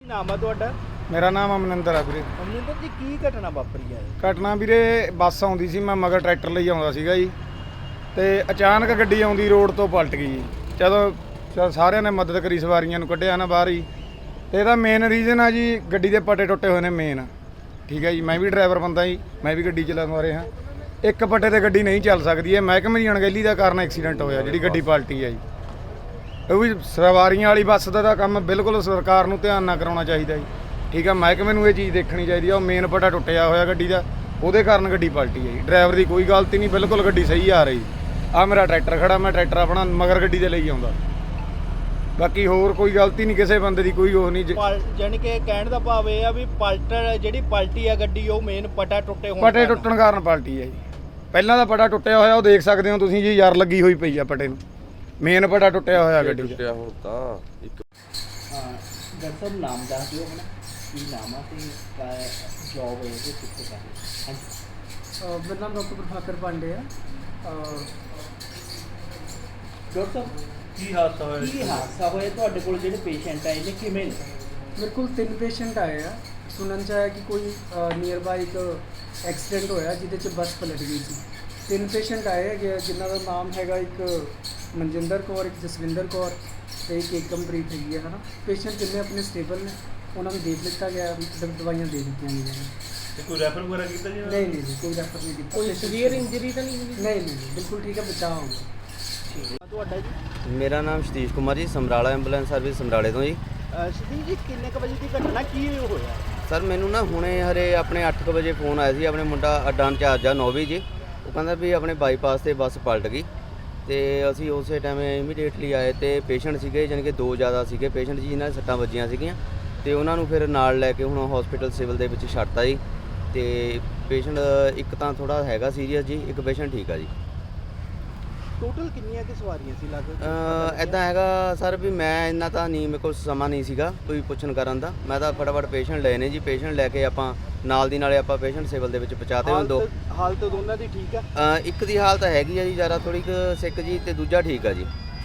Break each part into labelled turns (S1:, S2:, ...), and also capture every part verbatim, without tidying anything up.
S1: ਨਾਮ ਆ ਤੁਹਾਡਾ?
S2: ਮੇਰਾ ਨਾਮ ਅਮਨਿੰਦਰ ਆ ਵੀਰੇ।
S1: ਅਮਨਿੰਦਰ ਜੀ, ਕੀ ਘਟਨਾ ਵਾਪਰੀ ਹੈ?
S2: ਘਟਨਾ ਵੀਰੇ, ਬੱਸ ਆਉਂਦੀ ਸੀ, ਮੈਂ ਮਗਰ ਟਰੈਕਟਰ ਲਈ ਆਉਂਦਾ ਸੀਗਾ ਜੀ, ਤੇ ਅਚਾਨਕ ਗੱਡੀ ਆਉਂਦੀ ਰੋਡ ਤੋਂ ਪਲਟ ਗਈ ਜੀ। ਜਦੋਂ ਚਲ ਸਾਰਿਆਂ ਨੇ ਮਦਦ ਕਰੀ, ਸਵਾਰੀਆਂ ਨੂੰ ਕੱਢਿਆ ਨਾ ਬਾਹਰ ਹੀ। ਤੇ ਇਹਦਾ ਮੇਨ ਰੀਜ਼ਨ ਆ ਜੀ, ਗੱਡੀ ਦੇ ਪੱਟੇ ਟੁੱਟੇ ਹੋਏ ਨੇ ਮੇਨ। ਠੀਕ ਹੈ ਜੀ, ਮੈਂ ਵੀ ਡਰਾਈਵਰ ਬੰਦਾ ਜੀ, ਮੈਂ ਵੀ ਗੱਡੀ ਚਲਾਉਂਦਾ ਰਿਹਾ। ਇੱਕ ਪੱਟੇ ਤੇ ਗੱਡੀ ਨਹੀਂ ਚੱਲ ਸਕਦੀ, ਇਹ ਮਹਿਕਮੇ ਦੀ ਅਣਗਹਿਲੀ ਦਾ ਕਾਰਨ ਐਕਸੀਡੈਂਟ ਹੋਇਆ, ਜਿਹੜੀ ਗੱਡੀ ਪਲਟੀ ਹੈ ਜੀ। ਉਹ ਵੀ ਸਵਾਰੀਆਂ ਵਾਲੀ ਬੱਸ ਦਾ ਤਾਂ ਕੰਮ ਬਿਲਕੁਲ ਸਰਕਾਰ ਨੂੰ ਧਿਆਨ ਨਾਲ ਕਰਾਉਣਾ ਚਾਹੀਦਾ ਜੀ। ਠੀਕ ਆ, ਮਹਿਕਮੇ ਨੂੰ ਇਹ ਚੀਜ਼ ਦੇਖਣੀ ਚਾਹੀਦੀ ਆ। ਉਹ ਮੇਨ ਪੱਟਾ ਟੁੱਟਿਆ ਹੋਇਆ ਗੱਡੀ ਦਾ, ਉਹਦੇ ਕਾਰਨ ਗੱਡੀ ਪਲਟੀ ਹੈ ਜੀ। ਡਰਾਈਵਰ ਦੀ ਕੋਈ ਗਲਤੀ ਨਹੀਂ, ਬਿਲਕੁਲ ਗੱਡੀ ਸਹੀ ਆ ਰਹੀ। ਆ ਮੇਰਾ ਟਰੈਕਟਰ ਖੜਾ, ਮੈਂ ਟਰੈਕਟਰ ਆਪਣਾ ਮਗਰ ਗੱਡੀ ਦੇ ਲਈ ਆਉਂਦਾ। ਬਾਕੀ ਹੋਰ ਕੋਈ ਗਲਤੀ ਨਹੀਂ, ਕਿਸੇ ਬੰਦੇ ਦੀ ਕੋਈ ਉਹ ਨਹੀਂ।
S1: ਜਾਨੀ ਕਿ ਕਹਿਣ ਦਾ ਭਾਵ ਇਹ ਆ ਵੀ ਪਲਟਰ ਜਿਹੜੀ ਪਲਟੀ ਆ ਗੱਡੀ, ਉਹ ਮੇਨ ਪੱਟਾ ਟੁੱਟੇ ਹੋਣ
S2: ਪੱਟੇ ਟੁੱਟਣ ਕਾਰਨ ਪਲਟੀ ਹੈ ਜੀ। ਪਹਿਲਾਂ ਦਾ ਪੱਟਾ ਟੁੱਟਿਆ ਹੋਇਆ, ਉਹ ਦੇਖ ਸਕਦੇ ਹੋ ਤੁਸੀਂ ਜੀ, ਯਾਰ ਲੱਗੀ ਹੋਈ ਪਈ ਆ ਪੱਟੇ ਨੂੰ। ਮੇਨ ਪੱਟਾ ਟੁੱਟਿਆ ਹੋਇਆ ਗੱਡੀ ਦਾ।
S3: ਟੁੱਟਿਆ ਹੁਣ ਤਾਂ ਇੱਕ
S1: ਹਾਂ, ਡਾਕਟਰ ਸਾਹਿਬ ਨਾਮ ਦੱਸ ਦਿਓ ਆਪਣਾ, ਕੀ ਨਾਮ ਆ ਤੇ ਜੌਬ ਹੈ ਜੀ ਕਿੱਥੇ ਕਰ ਰਹੇ? ਹਾਂਜੀ,
S4: ਮੇਰਾ ਨਾਮ ਡਾਕਟਰ ਪ੍ਰਭਾਕਰ ਪਾਂਡੇ ਆ।
S1: ਡਾਕਟਰ ਸਾਹਿਬ,
S5: ਕੀ ਹਾਦਸਾ ਹੋਇਆ?
S1: ਕੀ ਹਾਦਸਾ ਹੋਇਆ ਤੁਹਾਡੇ ਕੋਲ? ਜਿਹੜੇ ਪੇਸ਼ੈਂਟ ਆਏ ਨੇ ਕਿਵੇਂ ਨੇ?
S4: ਮੇਰੇ ਕੋਲ ਤਿੰਨ ਪੇਸ਼ੈਂਟ ਆਏ ਆ। ਸੁਣਨ 'ਚ ਆਇਆ ਕਿ ਕੋਈ ਨੀਅਰ ਬਾਈ ਇੱਕ ਐਕਸੀਡੈਂਟ ਹੋਇਆ ਜਿਹਦੇ 'ਚ ਬੱਸ ਪਲਟ ਗਈ ਸੀ। ਤਿੰਨ ਪੇਸ਼ੈਂਟ ਆਏ ਹੈਗੇ, ਜਿਨ੍ਹਾਂ ਦਾ ਨਾਮ ਹੈਗਾ ਇੱਕ ਮਨਜਿੰਦਰ ਕੌਰ, ਇੱਕ ਜਸਵਿੰਦਰ ਕੌਰ ਤੇ ਇੱਕ ਏਕਮਪ੍ਰੀਤ ਹੈਗੀ ਹੈ, ਹੈ ਨਾ। ਪੇਸ਼ੈਂਟ ਜਿੰਨੇ ਆਪਣੇ ਸਟੇਬਲ ਨੇ, ਉਹਨਾਂ ਨੂੰ ਦੇਖ ਲਿੱਤਾ ਗਿਆ, ਦਵਾਈਆਂ ਦੇ ਦਿੱਤੀਆਂ ਗਈਆਂ ਨੇ।
S5: ਤੇ ਕੋਈ ਰੈਫਰ ਵਗੈਰਾ ਕੀਤਾ ਜੀ?
S4: ਨਹੀਂ ਨਹੀਂ ਜੀ, ਕੋਈ ਰੈਫਰ ਨਹੀਂ ਕੀਤਾ।
S1: ਕੋਈ ਸੀਵੀਅਰ ਇੰਜਰੀ ਤਾਂ ਨਹੀਂ ਹੋਈ?
S4: ਨਹੀਂ ਨਹੀਂ, ਬਿਲਕੁਲ ਠੀਕ ਹੈ, ਬਚਾਅ ਹੋ ਗਿਆ।
S1: ਤੁਹਾਡਾ ਜੀ?
S3: ਮੇਰਾ ਨਾਮ ਸਤੀਸ਼ ਕੁਮਾਰ ਜੀ, ਸਮਰਾਲਾ ਐਂਬੂਲੈਂਸ ਸਰਵਿਸ ਸਮਰਾਲੇ ਤੋਂ ਜੀ।
S1: ਸਤੀਸ਼ ਜੀ, ਕਿੰਨੇ ਕੁ ਵਜੇ ਦੀ ਘਟਨਾ, ਕੀ ਹੋਇਆ?
S3: ਸਰ ਮੈਨੂੰ ਨਾ ਹੁਣੇ ਹਰੇ ਆਪਣੇ ਅੱਠ ਕੁ ਵਜੇ ਫੋਨ ਆਇਆ ਸੀ। ਆਪਣੇ ਮੁੰਡਾ ਅੱਡਾ ਇੰਚਾਰਜ ਆ ਨੌਵੀਂ ਜੀ, ਉਹ ਕਹਿੰਦਾ ਵੀ ਆਪਣੇ ਬਾਈਪਾਸ 'ਤੇ ਬੱਸ ਪਲਟ ਗਈ। ਤੇ ਅਸੀਂ ਉਸੇ ਟਾਈਮ ਇਮੀਡੀਏਟਲੀ ਆਏ ਤੇ ਪੇਸ਼ੈਂਟ ਸੀਗੇ, ਜਾਣੀ ਕਿ ਦੋ ਜ਼ਿਆਦਾ ਸੀਗੇ ਪੇਸ਼ੈਂਟ ਜੀ, ਜਿਨ੍ਹਾਂ ਦੇ ਸੱਟਾਂ ਵੱਜੀਆਂ ਸੀਗੀਆਂ, ਤੇ ਉਹਨਾਂ ਨੂੰ ਫਿਰ ਨਾਲ ਲੈ ਕੇ ਹੁਣ ਹਸਪੀਟਲ ਸਿਵਲ ਦੇ ਵਿੱਚ ਛੱਡਤਾ ਜੀ। ਤੇ ਪੇਸ਼ੈਂਟ ਇੱਕ ਤਾਂ ਥੋੜ੍ਹਾ ਹੈਗਾ ਸੀਰੀਅਸ ਜੀ, ਇੱਕ ਪੇਸ਼ੈਂਟ ਠੀਕ ਆ ਜੀ।
S1: ਟੋਟਲ ਕਿੰਨੀਆਂ ਕਿ ਸਵਾਰੀਆਂ ਸੀ ਲਗਭਗ?
S3: ਇੱਦਾਂ ਹੈਗਾ ਸਰ ਵੀ ਮੈਂ ਇੰਨਾ ਤਾਂ ਨਹੀਂ, ਮੇਰੇ ਕੋਲ ਸਮਾਂ ਨਹੀਂ ਸੀਗਾ ਕੋਈ ਪੁੱਛਣ ਕਰਨ ਦਾ। ਮੈਂ ਤਾਂ ਫਟਾਫਟ ਪੇਸ਼ੈਂਟ ਲਏ ਨੇ ਜੀ। ਪੇਸ਼ੈਂਟ ਲੈ ਕੇ ਆਪਾਂ ਨਾਲ ਦੀ ਨਾਲੇ ਆਪਾਂ ਪੇਸ਼ੈਂਟ ਸਿਵਲ ਦੇ ਵਿੱਚ ਪਹੁੰਚਾਤੇ ਹੋਏ। ਦੋ
S1: ਹਾਲਤ ਦੋਨਾਂ ਦੀ ਠੀਕ ਆ?
S3: ਇੱਕ ਦੀ ਹਾਲਤ ਹੈਗੀ ਆ ਜੀ ਜ਼ਿਆਦਾ ਥੋੜ੍ਹੀ ਕੁ ਸਿੱਕ ਜੀ, ਤੇ ਦੂਜਾ ਠੀਕ ਆ ਜੀ।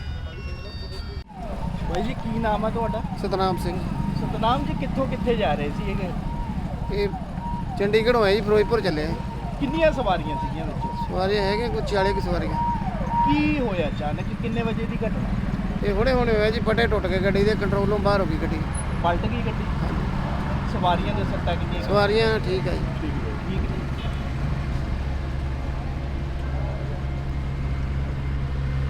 S1: ਬਾਈ ਜੀ, ਕੀ ਨਾਮ ਆ ਤੁਹਾਡਾ?
S2: ਸਤਨਾਮ ਸਿੰਘ।
S1: ਸਤਨਾਮ ਜੀ, ਕਿੱਥੋਂ ਕਿੱਥੇ ਜਾ ਰਹੇ ਸੀ ਇਹ?
S2: ਇਹ ਚੰਡੀਗੜ੍ਹੋਂ ਆਏ ਜੀ, ਫਿਰੋਜ਼ਪੁਰ ਚੱਲੇ।
S1: ਕਿੰਨੀਆਂ ਸਵਾਰੀਆਂ ਸੀਗੀਆਂ ਵਿੱਚ?
S2: ਸਵਾਰੀਆਂ ਹੈਗੇ ਕੋਈ ਚਾਲੀ ਕੁ ਸਵਾਰੀਆਂ।
S1: ਕੀ ਹੋਇਆ ਅਚਾਨਕ, ਕਿੰਨੇ ਵਜੇ ਦੀ ਘਟਨਾ?
S2: ਇਹ ਹੁਣੇ ਹੁਣੇ ਹੋਇਆ ਜੀ, ਪੱਟੇ ਟੁੱਟ ਕੇ ਗੱਡੀ ਦੇ ਕੰਟਰੋਲੋਂ ਬਾਹਰ ਹੋ ਗਈ ਗੱਡੀ।
S1: ਪਲਟ ਗਈ ਗੱਡੀ? ਸਵਾਰੀਆਂ ਦੇ ਸੱਟਾਂ ਕਿੰਨੀਆਂ?
S2: ਸਵਾਰੀਆਂ ਠੀਕ ਆ ਜੀ।
S1: ਠੀਕ